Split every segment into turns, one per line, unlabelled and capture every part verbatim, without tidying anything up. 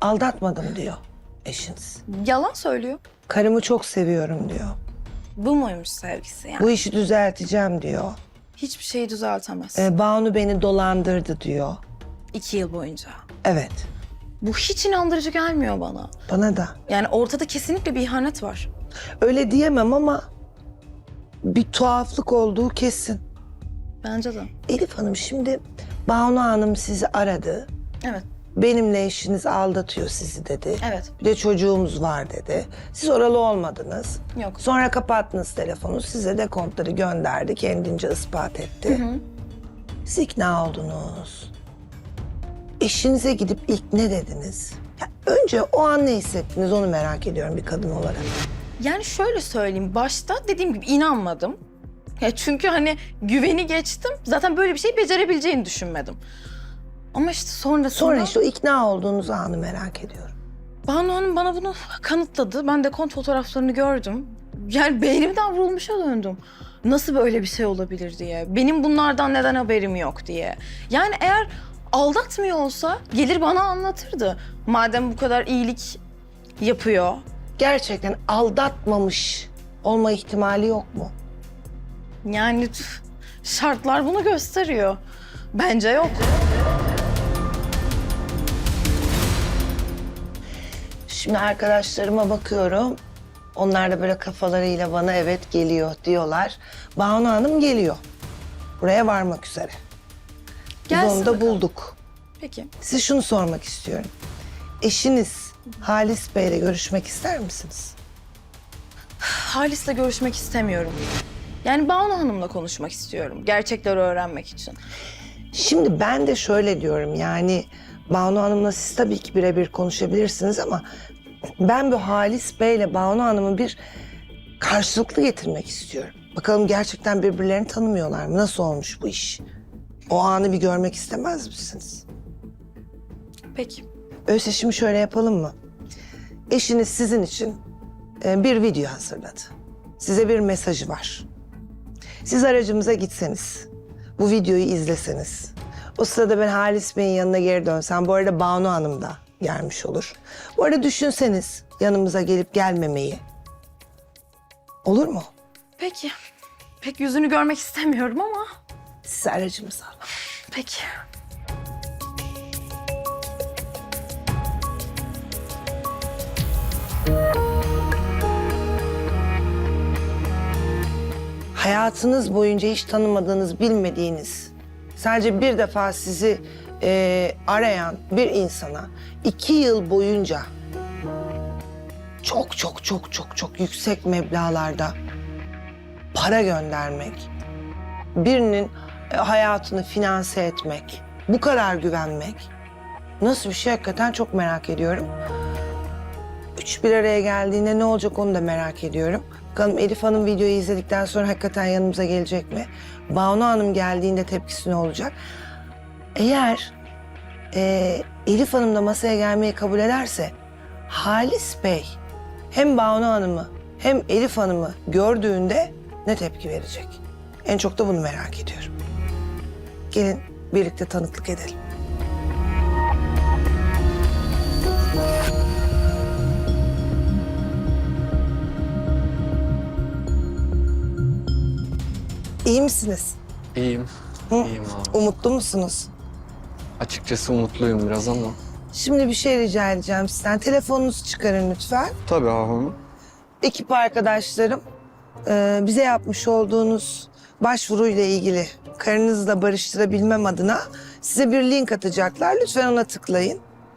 Aldatmadım diyor eşiniz.
Yalan söylüyor.
Karımı çok seviyorum diyor.
Bu muymuş sevgisi yani?
Bu işi düzelteceğim diyor.
Hiçbir şeyi düzeltemez.
Ee, Banu beni dolandırdı diyor.
İki yıl boyunca.
Evet,
Bu hiç inandırıcı gelmiyor bana.
bana da.
Yani ortada kesinlikle bir ihanet var.
Öyle diyemem ama bir tuhaflık olduğu kesin.
Bence de.
Elif Hanım, şimdi Banu Hanım sizi aradı.
Evet,
Benimle eşiniz aldatıyor sizi dedi.
evet.
Bir de çocuğumuz var dedi. Siz oralı olmadınız.
Yok.
Sonra kapattınız telefonu. Size de kontları gönderdi. Kendince ispat etti.
Hı hı.
Siz ikna oldunuz. Eşinize gidip ilk ne dediniz? Ya önce o an ne hissettiniz onu merak ediyorum bir kadın olarak.
Yani şöyle söyleyeyim, başta dediğim gibi inanmadım. Ya çünkü hani güveni geçtim, zaten böyle bir şey becerebileceğini düşünmedim. Ama işte sonrasında...
Sonra işte o ikna olduğunuz anı merak ediyorum.
Banu Hanım bana bunu kanıtladı. Ben de kont fotoğraflarını gördüm. Yani beynimden vurulmuşa döndüm. Nasıl böyle bir şey olabilir diye. Benim bunlardan neden haberim yok diye. Yani eğer aldatmıyor olsa gelir bana anlatırdı. Madem bu kadar iyilik yapıyor.
Gerçekten aldatmamış olma ihtimali yok mu?
Yani tüh, şartlar bunu gösteriyor. Bence yok.
Şimdi arkadaşlarıma bakıyorum. Onlar da böyle kafalarıyla bana evet geliyor diyorlar. Banu Hanım geliyor. Buraya varmak üzere. Biz
Gelsin
onu da
bakalım.
bulduk.
Peki.
Size şunu sormak istiyorum. Eşiniz Halis Bey'le görüşmek ister misiniz?
Halis'le görüşmek istemiyorum. Yani Banu Hanım'la konuşmak istiyorum. Gerçekleri öğrenmek için.
Şimdi ben de şöyle diyorum, yani Banu Hanım'la siz tabii ki birebir konuşabilirsiniz ama ben bu Halis Bey'le Banu Hanım'ı bir karşılıklı getirmek istiyorum. Bakalım gerçekten birbirlerini tanımıyorlar mı? Nasıl olmuş bu iş? O anı bir görmek istemez misiniz?
Peki.
Öyleyse şimdi şöyle yapalım mı? Eşiniz sizin için e, bir video hazırladı. Size bir mesajı var. Siz aracımıza gitseniz, bu videoyu izleseniz. O sırada ben Halis Bey'in yanına geri dönsem, bu arada Banu Hanım da gelmiş olur. Bu arada düşünseniz yanımıza gelip gelmemeyi. Olur mu?
Peki. Pek yüzünü görmek istemiyorum ama.
Siz aracımıza alın.
Peki.
Hayatınız boyunca hiç tanımadığınız, bilmediğiniz, sadece bir defa sizi e, arayan bir insana iki yıl boyunca çok çok çok çok çok yüksek meblağlarda para göndermek, birinin e, hayatını finanse etmek, bu kadar güvenmek nasıl bir şey hakikaten çok merak ediyorum. Üç bir araya geldiğinde ne olacak onu da merak ediyorum. Bakalım Elif Hanım videoyu izledikten sonra hakikaten yanımıza gelecek mi? Banu Hanım geldiğinde tepkisi ne olacak? Eğer e, Elif Hanım da masaya gelmeyi kabul ederse Halis Bey hem Banu Hanım'ı hem Elif Hanım'ı gördüğünde ne tepki verecek? En çok da bunu merak ediyorum. Gelin birlikte tanıklık edelim. İyi misiniz?
İyiyim.
Hı?
İyiyim abi.
Umutlu musunuz?
Açıkçası umutluyum biraz ama.
Şimdi bir şey rica edeceğim sizden. Telefonunuzu çıkarın lütfen.
Tabii abi.
Ekip arkadaşlarım e, bize yapmış olduğunuz başvuruyla ilgili karınızla barıştırabilmem adına size bir link atacaklar. Lütfen ona tıklayın.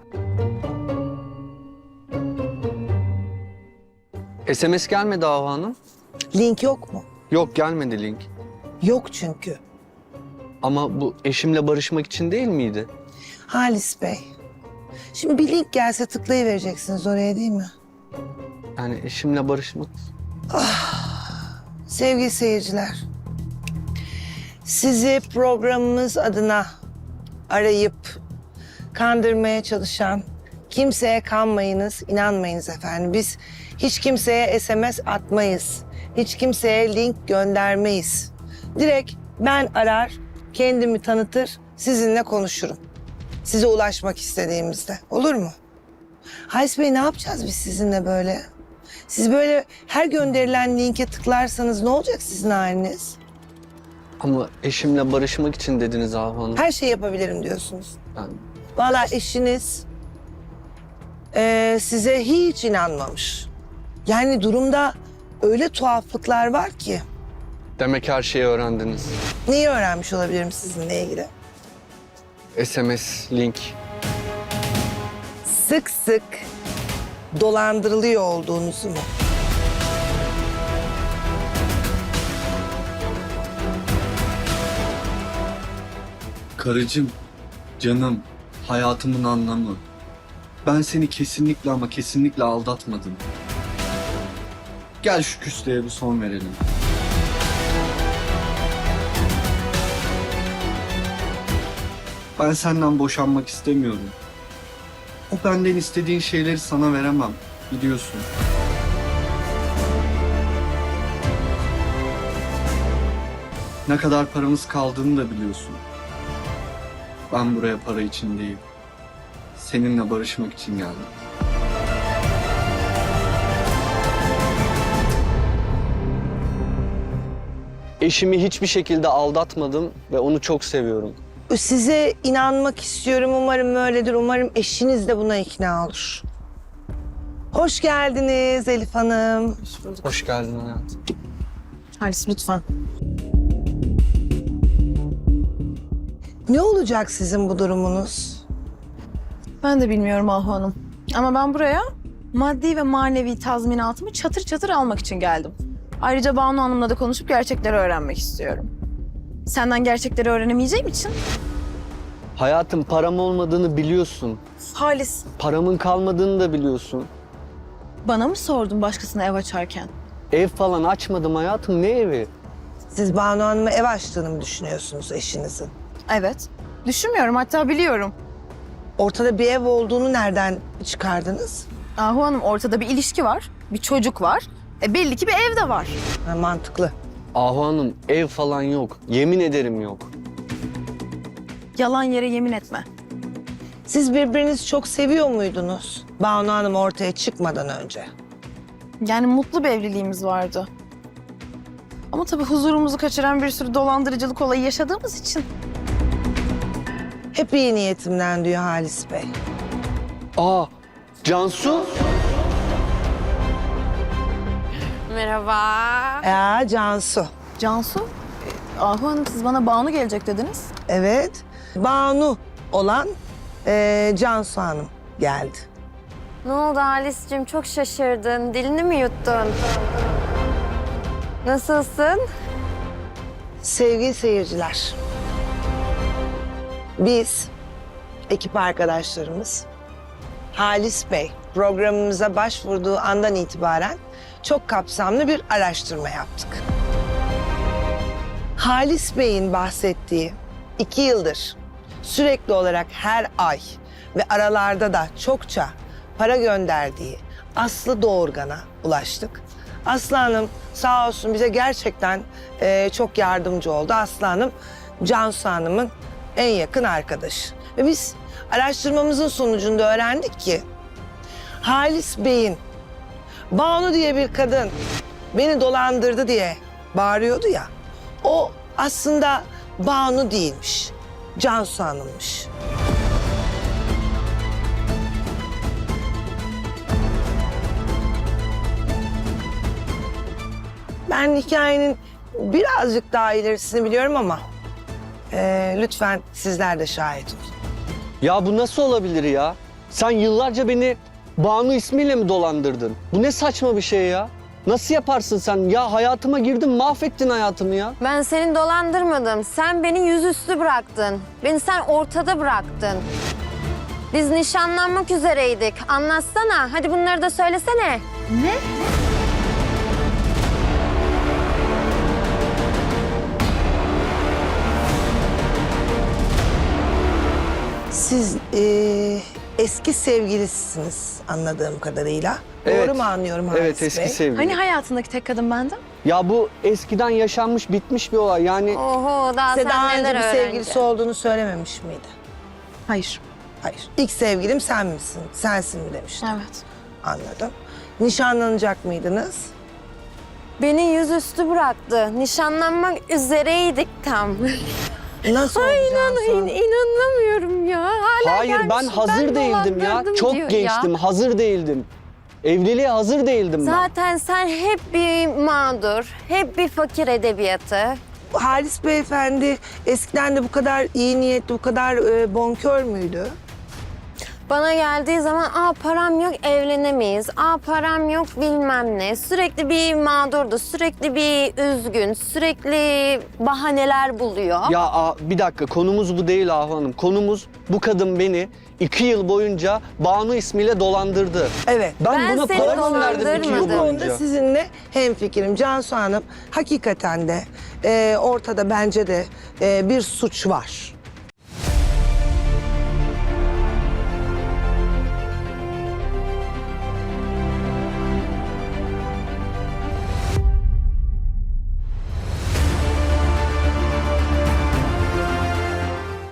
S M S gelmedi Ahu Hanım.
Link yok mu?
Yok gelmedi link.
Yok çünkü.
Ama bu eşimle barışmak için değil miydi?
Halis Bey. Şimdi bir link gelse tıklayıvereceksiniz oraya, değil mi?
Yani eşimle barışmak...
Sevgili seyirciler, sizi programımız adına arayıp kandırmaya çalışan kimseye kanmayınız, inanmayınız efendim. Biz hiç kimseye S M S atmayız, hiç kimseye link göndermeyiz. Direkt ben arar, kendimi tanıtır, sizinle konuşurum. Size ulaşmak istediğimizde, olur mu? Halis Bey ne yapacağız biz sizinle böyle? Siz böyle her gönderilen linke tıklarsanız ne olacak sizin haliniz?
Ama eşimle barışmak için dediniz Ahu Hanım.
Her şey yapabilirim diyorsunuz.
Ben...
Vallahi eşiniz eee, size hiç inanmamış. Yani durumda öyle tuhaflıklar var ki.
Demek her şeyi öğrendiniz.
Neyi öğrenmiş olabilirim sizinle ilgili?
S M S, link.
Sık sık dolandırılıyor olduğunuzu mu?
Karıcığım, canım, hayatımın anlamı. Ben seni kesinlikle ama kesinlikle aldatmadım. Gel şu küslüğe bir son verelim. Ben senden boşanmak istemiyorum. O benden istediğin şeyleri sana veremem, biliyorsun. Ne kadar paramız kaldığını da biliyorsun. Ben buraya para için değil, seninle barışmak için geldim.
Eşimi hiçbir şekilde aldatmadım ve onu çok seviyorum.
Size inanmak istiyorum. Umarım öyledir. Umarım eşiniz de buna ikna olur. Hoş geldiniz Elif Hanım.
Hoş geldin hayatım.
Halis lütfen.
Ne olacak sizin bu durumunuz?
Ben de bilmiyorum Ahu Hanım. Ama ben buraya maddi ve manevi tazminatımı çatır çatır almak için geldim. Ayrıca Banu Hanım'la da konuşup gerçekleri öğrenmek istiyorum. Senden gerçekleri öğrenemeyeceğim için.
Hayatım, param olmadığını biliyorsun.
Halis,
Paramın kalmadığını da biliyorsun.
bana mı sordun başkasına ev açarken?
Ev falan açmadım hayatım, ne evi?
Siz Banu Hanım'a ev açtığını mı düşünüyorsunuz eşinizin?
Evet. Düşünmüyorum, hatta biliyorum.
Ortada bir ev olduğunu nereden çıkardınız?
Ahu Hanım, ortada bir ilişki var, bir çocuk var. E belli ki bir ev de var.
Ha, mantıklı.
Ahu Hanım, ev falan yok. Yemin ederim yok.
Yalan yere yemin etme.
Siz birbirinizi çok seviyor muydunuz? Banu Hanım ortaya çıkmadan önce.
Yani mutlu bir evliliğimiz vardı. Ama tabii huzurumuzu kaçıran bir sürü dolandırıcılık olayı yaşadığımız için.
Hep iyi niyetimden diyor Halis Bey.
Aa, Cansu?
Merhaba.
Ya Cansu.
Cansu, e, Ahu Hanım siz bana Banu gelecek dediniz.
Evet. Banu olan eee Cansu Hanım geldi.
Ne oldu Halis'cim? Çok şaşırdın. Dilini mi yuttun? Nasılsın?
Sevgili seyirciler. Biz, ekip arkadaşlarımız, Halis Bey programımıza başvurduğu andan itibaren çok kapsamlı bir araştırma yaptık. Halis Bey'in bahsettiği iki yıldır sürekli olarak her ay ve aralarda da çokça para gönderdiği Aslı Doğurgan'a ulaştık. Aslı Hanım sağ olsun bize gerçekten eee, çok yardımcı oldu. Aslı Hanım, Cansu Hanım'ın en yakın arkadaşı. Ve biz araştırmamızın sonucunda öğrendik ki Halis Bey'in Banu diye bir kadın beni dolandırdı diye bağırıyordu ya. O aslında Banu değilmiş, Cansu Hanım'mış. Ben hikayenin birazcık daha ilerisini biliyorum ama eee, lütfen sizler de şahit olun.
Ya bu nasıl olabilir ya? Sen yıllarca beni Banu ismiyle mi dolandırdın? Bu ne saçma bir şey ya? Nasıl yaparsın sen? Ya hayatıma girdin, mahvettin hayatımı ya.
Ben seni dolandırmadım. Sen beni yüzüstü bıraktın. Beni sen ortada bıraktın. Biz nişanlanmak üzereydik. Anlatsana. Hadi bunları da söylesene.
Siz eee, eski sevgilisiniz anladığım kadarıyla.
Evet.
Doğru mu anlıyorum Halis
Evet, eski
Bey?
sevgili.
Hani hayatındaki tek kadın bendim?
Ya bu eskiden yaşanmış, bitmiş bir olay. Yani
Oho daha
Size
sen
daha önce
neler
bir
öğreneceksin?
sevgilisi olduğunu söylememiş miydi?
Hayır.
Hayır. İlk sevgilim sen misin? Sensin mi demiştin.
Evet.
Anladım. Nişanlanacak mıydınız?
Beni yüzüstü bıraktı. Nişanlanmak üzereydik tam.
Nasıl
Ay
olacağını
inan,
sonra-
in- inanamıyorum ya. Hala
Hayır ben
gelmiş,
hazır değildim ya.
dolandırdım
Çok
diyor
gençtim,
ya.
hazır değildim. Evliliğe hazır değildim ben.
Zaten sen hep bir mağdur, hep bir fakir edebiyatı.
Halis Beyefendi eskiden de bu kadar iyi niyetli, bu kadar e, bonkör müydü?
Bana geldiği zaman aa param yok evlenemeyiz, aa param yok bilmem ne. Sürekli bir mağdurdu, sürekli bir üzgün, sürekli bahaneler buluyor.
Ya a, bir dakika konumuz bu değil Ahu Hanım. Konumuz bu kadın beni iki yıl boyunca Banu ismiyle dolandırdı.
Evet.
Ben,
Ben
buna
seni
para gönderdim iki yıl
dolandırmadım.
Bu konuda
boyunca.
sizinle hemfikirim. Cansu Hanım hakikaten de e, ortada bence de e, bir suç var.